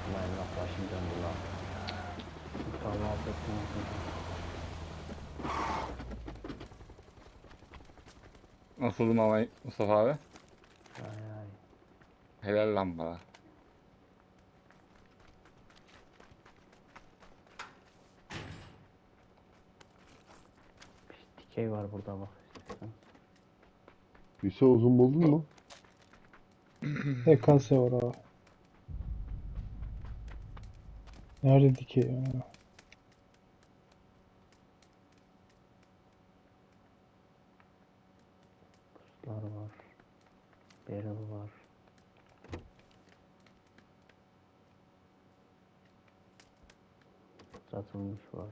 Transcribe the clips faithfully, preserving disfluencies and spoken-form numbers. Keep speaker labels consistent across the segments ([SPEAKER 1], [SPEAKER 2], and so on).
[SPEAKER 1] Allah Allah başım döndü lan. Mustafa affetsin.
[SPEAKER 2] Nasıldım ama Mustafa abi?
[SPEAKER 1] Ay ay.
[SPEAKER 2] Helal lan bana.
[SPEAKER 1] Bir dikey var burada bak istersen.
[SPEAKER 3] Lise uzun buldun mu?
[SPEAKER 4] E K S var abi. Nerede ki ya?
[SPEAKER 1] Puslar var. Barrel var. Satılmış var.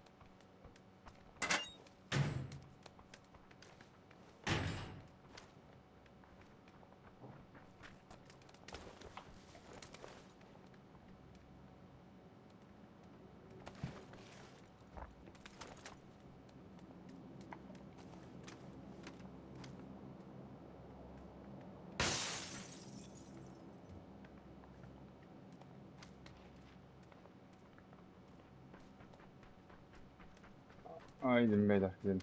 [SPEAKER 2] Haydi beyler gidelim.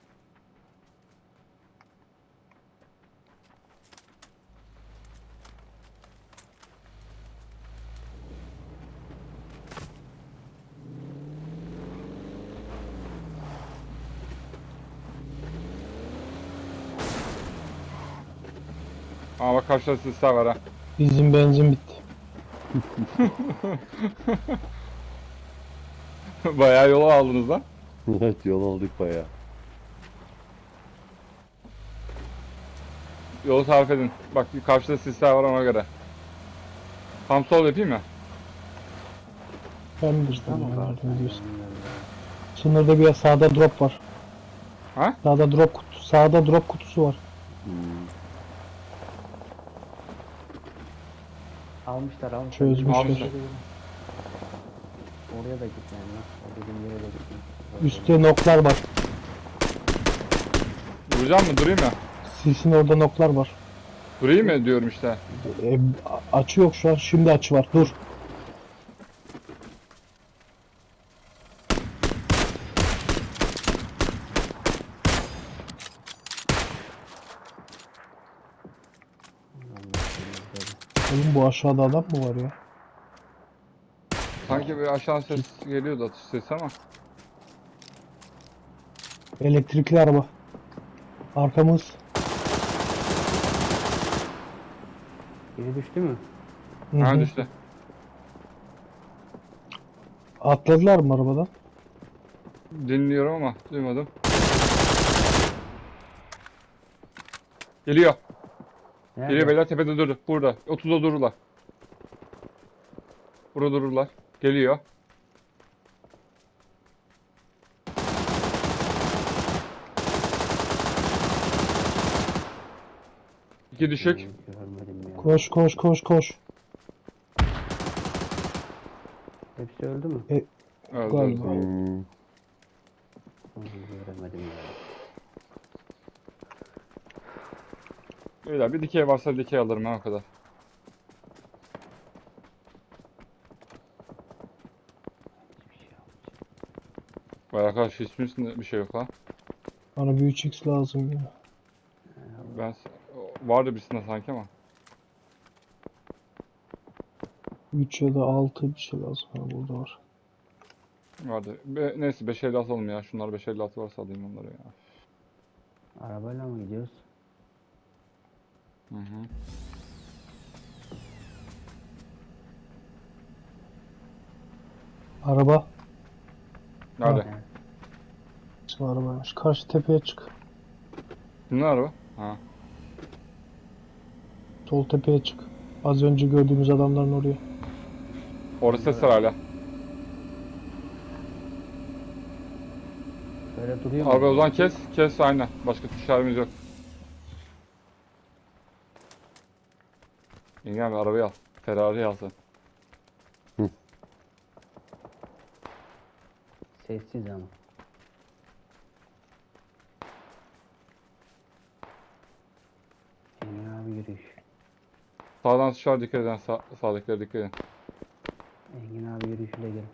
[SPEAKER 2] Aa bak karşıda sisler var ha.
[SPEAKER 4] Bizim benzin bitti.
[SPEAKER 2] Bayağı yolu aldınız lan.
[SPEAKER 3] Evet yol aldık bayağı.
[SPEAKER 2] Yolu tarif edin. Bak karşıda sisler var ona göre. Tam sol yapayım mı?
[SPEAKER 4] Ben bilirsin
[SPEAKER 1] Tamam
[SPEAKER 4] ya,
[SPEAKER 1] abi.
[SPEAKER 4] nereden diyorsun. Sınırda bir sağda drop var.
[SPEAKER 2] Ha?
[SPEAKER 4] Sağda drop kutusu, sağda drop kutusu var.
[SPEAKER 3] Hmm.
[SPEAKER 1] Almışlar almışlar.
[SPEAKER 4] Çözmüşler.
[SPEAKER 2] Almışlar.
[SPEAKER 1] Oraya da gitmeyin lan. O dediğim yere de gitmeyin.
[SPEAKER 4] Üstte noklar var.
[SPEAKER 2] Duracağım mı? Durayım mı?
[SPEAKER 4] Sisin orada noklar var.
[SPEAKER 2] Durayım mı diyorum işte.
[SPEAKER 4] E, a- açı yok şu an. Şimdi açı var. Dur. Oğlum bu aşağıda adam mı var ya?
[SPEAKER 2] Sanki bir aşağı ses geliyordu atış sesi ama.
[SPEAKER 4] Elektrikli araba. Arkamız.
[SPEAKER 1] Biri düştü mü?
[SPEAKER 4] Hı
[SPEAKER 2] Ha
[SPEAKER 4] hı.
[SPEAKER 2] düştü.
[SPEAKER 4] Atladılar mı arabadan?
[SPEAKER 2] Dinliyorum ama duymadım. Geliyor.
[SPEAKER 1] Nerede?
[SPEAKER 2] Geliyor beyler tepede durdu. Burada. otuzda dururlar. Burada dururlar. Geliyor. İki düşük.
[SPEAKER 1] Hmm, görmedim ya.
[SPEAKER 4] Koş koş koş koş.
[SPEAKER 1] Hepsi öldü mü?
[SPEAKER 2] Öldü,
[SPEAKER 4] Galiba.
[SPEAKER 2] öldü.
[SPEAKER 3] Hmm.
[SPEAKER 1] Hmm, göremedim ya.
[SPEAKER 2] Beyler bir dikey varsa dikey alırım ha o kadar.
[SPEAKER 1] Hiçbir şey yok.
[SPEAKER 2] Vay arkadaş hiçbir üstünde bir şey yok ha.
[SPEAKER 4] Bana bir üç x lazım ya.
[SPEAKER 2] Ben s- vardı birisinde sanki ama.
[SPEAKER 4] üç ya da altı bir şey lazım. Ha, burada var.
[SPEAKER 2] Vardı. Be, neyse beş elli atalım ya. Şunlar beş elli altı varsa alayım onları ya.
[SPEAKER 1] Arabayla mı gidiyoruz?
[SPEAKER 2] Hı hı.
[SPEAKER 4] Araba.
[SPEAKER 2] Nerede?
[SPEAKER 1] He.
[SPEAKER 4] Şu arabaymış. Karşı tepeye çık.
[SPEAKER 2] Kimler araba? Ha.
[SPEAKER 4] Sol tepeye çık. Az önce gördüğümüz adamların oraya.
[SPEAKER 2] Orada ses var hala.
[SPEAKER 1] Böyle duruyor mu?
[SPEAKER 2] Araba o zaman kes. Kes aynen. Başka tuşlarımız yok. Yengem bir arabayı al. Ferrari al sen.
[SPEAKER 1] Sessiz ama. Engin abi yürüyüş.
[SPEAKER 2] Sağdan tuşlar dikkat edin. Sağ, sağdakilere dikkat edin.
[SPEAKER 5] Yeşile gelin.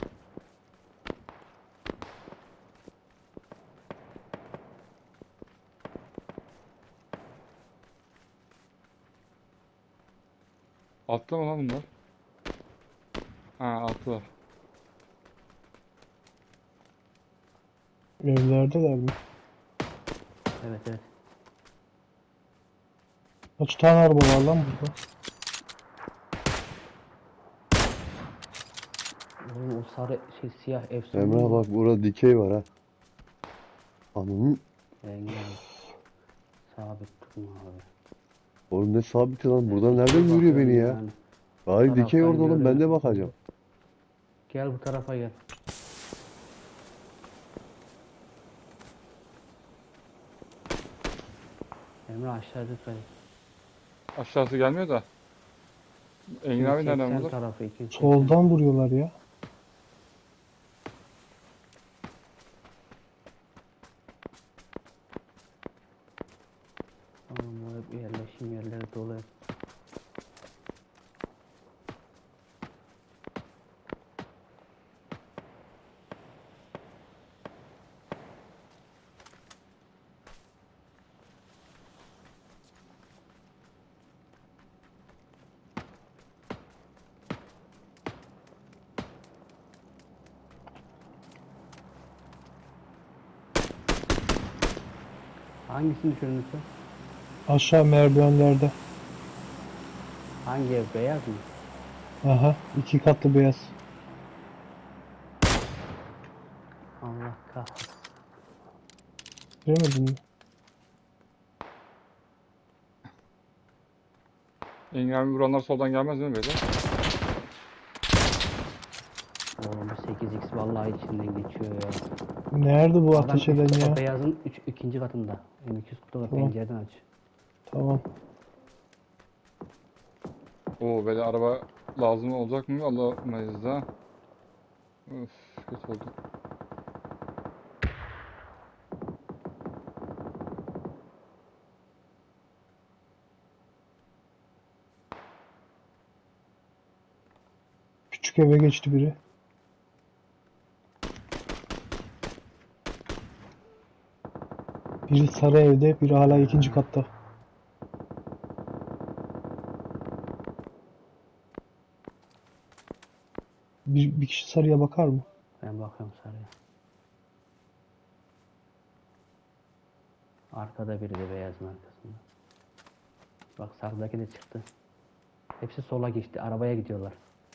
[SPEAKER 2] Altta mı lan bunlar? Ha altılar.
[SPEAKER 4] Evlerdeler mi?
[SPEAKER 5] Evet evet.
[SPEAKER 4] Kaç tane araba var lan burada?
[SPEAKER 5] Oğlum o sarı şey siyah efsane
[SPEAKER 3] Emrah
[SPEAKER 5] mi?
[SPEAKER 3] bak burada dikey var ha. Ananın.
[SPEAKER 5] Engin abi. Sabit tutma abi.
[SPEAKER 3] Oğlum ne sabiti lan. Buradan
[SPEAKER 5] Dikey
[SPEAKER 3] nereden görüyor beni
[SPEAKER 5] bakıyorum
[SPEAKER 3] ya?
[SPEAKER 5] yani.
[SPEAKER 3] Hayır dikey
[SPEAKER 5] Taraftan
[SPEAKER 3] orada oğlum. Ben de
[SPEAKER 5] görüyorum.
[SPEAKER 3] bakacağım.
[SPEAKER 5] Gel bu tarafa gel. Emre aşağı dikkat et.
[SPEAKER 2] Aşağısı gelmiyor da. Engin abi nereden
[SPEAKER 5] iki yüz seksen
[SPEAKER 2] bulur?
[SPEAKER 5] tarafı iki yüz seksen.
[SPEAKER 4] Soldan vuruyorlar ya.
[SPEAKER 5] Tamam bu hep yerleşim yerleri dolu hep. Hangisini düşündün sen?
[SPEAKER 4] Aşağı merdivenlerde.
[SPEAKER 5] Hangi ev beyaz mı?
[SPEAKER 4] Aha, iki katlı beyaz.
[SPEAKER 5] Allah kahretsin.
[SPEAKER 4] Göremedin mi?
[SPEAKER 2] Engin abi vuranlar soldan gelmez mi böyle?
[SPEAKER 5] Oğlum bu sekiz x vallahi içinden geçiyor ya.
[SPEAKER 4] Nerede bu
[SPEAKER 5] Adam
[SPEAKER 4] ateş
[SPEAKER 5] üst-
[SPEAKER 4] eden
[SPEAKER 5] o
[SPEAKER 4] ya?
[SPEAKER 5] beyazın üç, ikinci katında. M iki yüz kırk
[SPEAKER 4] Tamam.
[SPEAKER 5] pencereden aç.
[SPEAKER 4] Tamam.
[SPEAKER 2] Oo böyle araba lazım olacak mı? Alamayız da. Öf kötü oldu.
[SPEAKER 4] Küçük eve geçti biri. Biri sarı evde, biri hala ikinci katta. Bir, bir kişi sarıya bakar mı?
[SPEAKER 5] Ben bakıyorum sarıya. Arkada biri de beyazın arkasında. Bak sarıdaki de çıktı. Hepsi sola geçti. Arabaya gidiyorlar.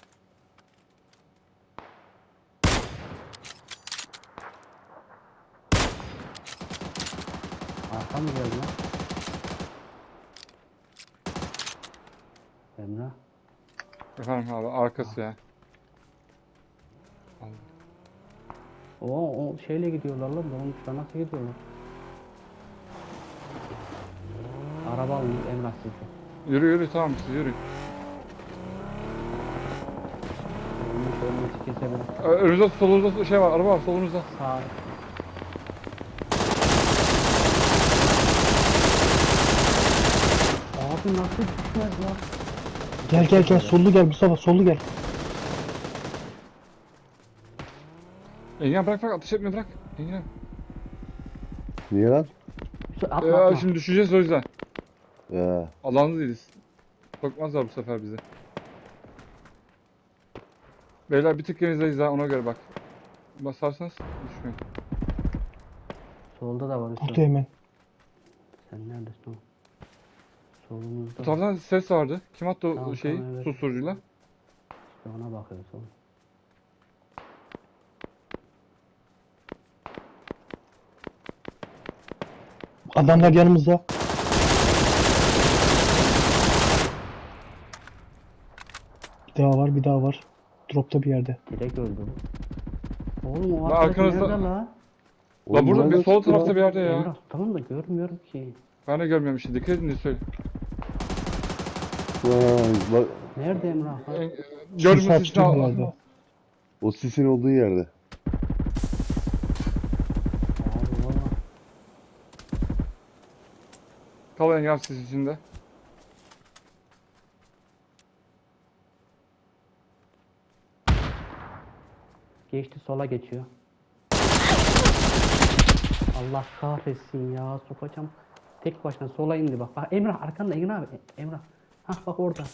[SPEAKER 5] Arka mı geldi lan? Emrah.
[SPEAKER 2] Efendim abi arkası ya.
[SPEAKER 5] O, o şeyle gidiyorlar lan. Dolmuşlar nasıl gidiyorlar? Araba almış Emrah sizde.
[SPEAKER 2] Yürü yürü tamam siz yürü.
[SPEAKER 5] Dolmuş ölmesi kesebilir.
[SPEAKER 2] Ö- Önünüzde solunuzda şey var araba var solunuzda.
[SPEAKER 5] Sağ. Abi nasıl düşmez lan?
[SPEAKER 4] Gel gel gel, sollu gel Mustafa, sollu gel.
[SPEAKER 2] Engin abi bırak bırak ateş etme bırak. Engin abi.
[SPEAKER 3] Niye lan?
[SPEAKER 5] Atma
[SPEAKER 2] Ee,
[SPEAKER 5] atma.
[SPEAKER 2] şimdi düşeceğiz o yüzden.
[SPEAKER 3] Ya.
[SPEAKER 2] Alanlı değiliz. Sokmazlar bu sefer bizi. Beyler bir tık genizdeyiz ha ona göre bak. Basarsanız düşmeyin.
[SPEAKER 5] Solda da var
[SPEAKER 4] Burada
[SPEAKER 5] üstü.
[SPEAKER 4] hemen.
[SPEAKER 5] Sen neredesin oğlum? Solumuzda.
[SPEAKER 2] Bu taraftan ses vardı. Kim attı o
[SPEAKER 5] Tamam,
[SPEAKER 2] şeyi
[SPEAKER 5] tamam, evet.
[SPEAKER 2] susturucuyla?
[SPEAKER 5] İşte ona bakıyoruz oğlum.
[SPEAKER 4] Adamlar yanımızda. Bir daha var, bir daha var. Dropta bir yerde.
[SPEAKER 5] Direkt öldü bu. Oğlum o
[SPEAKER 2] Lan
[SPEAKER 5] arkadaki
[SPEAKER 2] arkanızda-
[SPEAKER 5] nerede la?
[SPEAKER 2] La
[SPEAKER 3] Oğlum
[SPEAKER 2] burada bir
[SPEAKER 3] nereden
[SPEAKER 2] sol
[SPEAKER 3] çıktı
[SPEAKER 2] tarafta
[SPEAKER 3] lan?
[SPEAKER 2] bir yerde ya.
[SPEAKER 5] Emrah tamam da görmüyorum ki.
[SPEAKER 2] Ben de görmüyorum işte. Dikkat edin de söyle.
[SPEAKER 3] Vay, bak
[SPEAKER 5] Nerede Emrah? Ha?
[SPEAKER 2] En-
[SPEAKER 4] Şu
[SPEAKER 2] Görmüyorsun
[SPEAKER 4] saçlı
[SPEAKER 2] işte.
[SPEAKER 4] bir
[SPEAKER 2] al-
[SPEAKER 4] yerde.
[SPEAKER 3] o sisin olduğu yerde.
[SPEAKER 5] Abi valla.
[SPEAKER 2] Kal Engin abi siz içinde.
[SPEAKER 5] Geçti sola geçiyor. Allah kahretsin ya, sokacağım. Tek başına sola indi bak. Bak Emrah arkanda, Emrah abi. Emrah. Hah bak orada.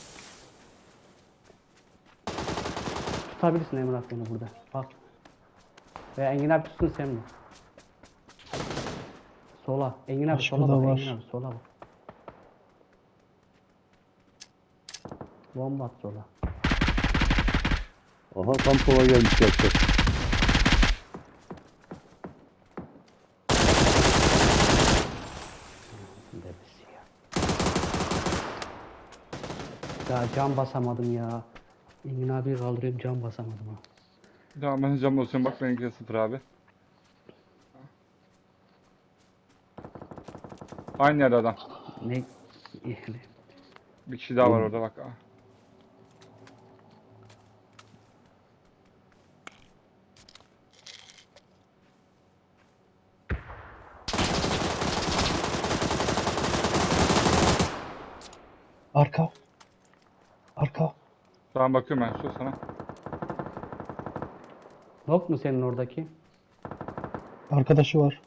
[SPEAKER 5] Tutabilirsin Emrah beni burada. Bak. Veya Engin abi tutsun sen mi? Sola. Engin abi
[SPEAKER 4] Başka
[SPEAKER 5] sola
[SPEAKER 4] da
[SPEAKER 5] bak.
[SPEAKER 4] var.
[SPEAKER 5] Engin abi sola bak. Bomba at sola.
[SPEAKER 3] Aha tam sola gelmiş yapacak.
[SPEAKER 5] Debesi ya. Ya cam basamadım ya. Engin abi kaldırıyorum, cam basamadım ha.
[SPEAKER 2] Tamam ben cam basıyorum. Bak benimki sıfır abi. Aynı yerde adam.
[SPEAKER 5] Ne?
[SPEAKER 2] Bir kişi daha var
[SPEAKER 3] Oğlum.
[SPEAKER 2] orada bak. Ah.
[SPEAKER 4] Arka. Arka.
[SPEAKER 2] Tamam bakıyorum ben şu sana.
[SPEAKER 5] Yok mu senin oradaki?
[SPEAKER 4] Arkadaşı var.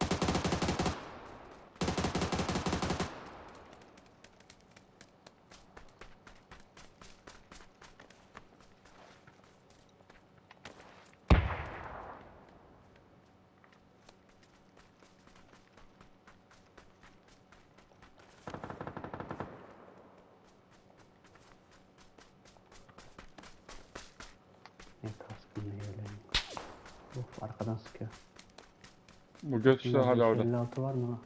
[SPEAKER 5] Ne kaskın ne öyle. Of arkadan sıkıyor.
[SPEAKER 2] Bu göt işte hala orada.
[SPEAKER 5] elli altı var mı?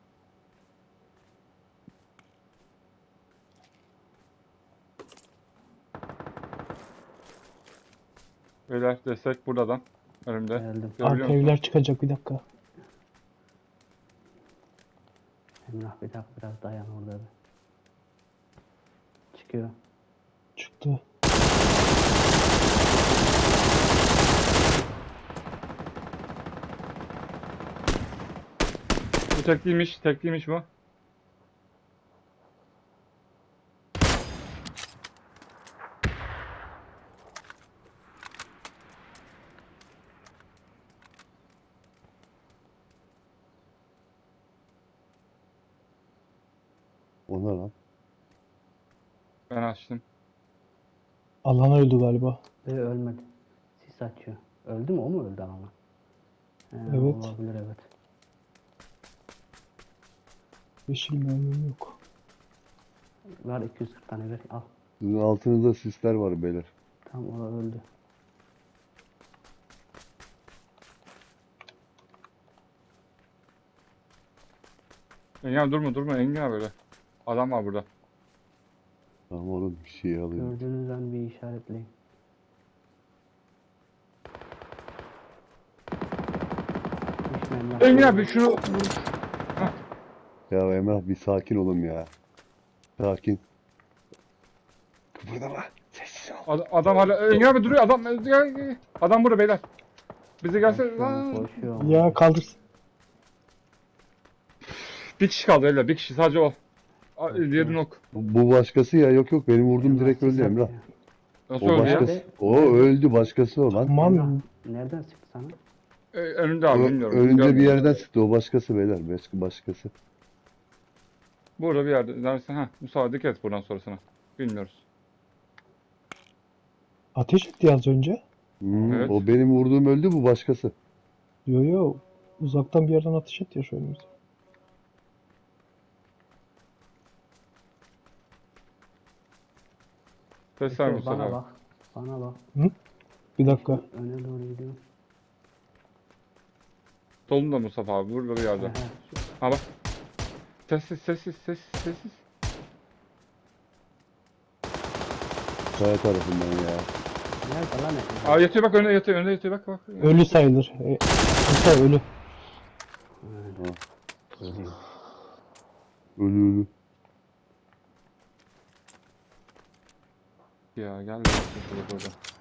[SPEAKER 2] Beyler destek buradan. Önümde.
[SPEAKER 5] Geldim.
[SPEAKER 2] Görebiliyor
[SPEAKER 4] Arka
[SPEAKER 2] musun?
[SPEAKER 4] evler çıkacak, bir dakika.
[SPEAKER 5] Emrah bir dakika biraz dayan orada bir. Çıkıyor.
[SPEAKER 4] Çıktı.
[SPEAKER 2] Bu tekliymiş. Tekliymiş bu.
[SPEAKER 3] O ne lan?
[SPEAKER 2] Ben açtım.
[SPEAKER 4] Alan öldü galiba.
[SPEAKER 5] Ve ölmedi. Sis açıyor. Öldü mü? O mu öldü ama? He,
[SPEAKER 4] Evet.
[SPEAKER 5] Olabilir evet.
[SPEAKER 4] Yeşil mermim yok.
[SPEAKER 5] Var iki yüz kırk tane ver. Al.
[SPEAKER 3] Sizin altınızda sisler var beyler.
[SPEAKER 5] Tam o öldü.
[SPEAKER 2] Engin abi durma durma Engin abi böyle. Adam var burada.
[SPEAKER 3] Tamam oğlum bir şey alayım.
[SPEAKER 5] Gördüğünüz an bir işaretleyin. Düşme Emrah.
[SPEAKER 2] Engin abi şunu
[SPEAKER 3] Ya Emrah bir sakin olun ya. Sakin. Kıpırdama. Sessiz ol.
[SPEAKER 2] Ad- adam hala Engin abi duruyor adam adam burada beyler. Bize gelse
[SPEAKER 5] Koşuyorum,
[SPEAKER 2] lan.
[SPEAKER 5] koşuyorum.
[SPEAKER 4] Ya kaldır.
[SPEAKER 2] Bir kişi kaldı öyle bir kişi sadece o. A- Diğeri nok.
[SPEAKER 3] Bu bu başkası ya. Yok yok benim vurdum direkt
[SPEAKER 5] sis
[SPEAKER 3] öldü Emrah.
[SPEAKER 5] atıyor.
[SPEAKER 2] Nasıl
[SPEAKER 3] O
[SPEAKER 2] öldü ya?
[SPEAKER 3] başkası. O öldü başkası o lan.
[SPEAKER 4] Tamam.
[SPEAKER 5] Nereden sıktı sana?
[SPEAKER 2] Ee, önünde abi
[SPEAKER 3] Ö-
[SPEAKER 2] bilmiyorum.
[SPEAKER 3] Önünde bir
[SPEAKER 2] Görmedim.
[SPEAKER 3] yerden sıktı. O başkası beyler. Başka başkası.
[SPEAKER 2] Burada bir yerde. Dersen ha Musa dikkat et buradan sonrasına. Bilmiyoruz.
[SPEAKER 4] Ateş etti az önce.
[SPEAKER 3] Hmm,
[SPEAKER 2] Evet.
[SPEAKER 3] O benim vurduğum öldü bu başkası.
[SPEAKER 4] Yo yo. Uzaktan bir yerden ateş etti ya şu önümüze.
[SPEAKER 2] Sesler
[SPEAKER 5] Bekle,
[SPEAKER 2] Mustafa
[SPEAKER 5] bana
[SPEAKER 2] abi.
[SPEAKER 5] bak. Bana bak.
[SPEAKER 4] Bir dakika.
[SPEAKER 5] Öne doğru gidiyorum.
[SPEAKER 2] Solunda Mustafa abi burada bir yerde.
[SPEAKER 5] He, he.
[SPEAKER 2] Ha bak. Sessiz sessiz sessiz sessiz.
[SPEAKER 3] Kaya tarafından ya.
[SPEAKER 5] Nerede lan Emrah?
[SPEAKER 2] Aa yatıyor bak önünde yatıyor önünde yatıyor bak bak.
[SPEAKER 4] Ölü sayılır. E, Musa ölü.
[SPEAKER 5] Ölüyor.
[SPEAKER 3] Ölü ölü.
[SPEAKER 2] Ya gel. Şurada burada.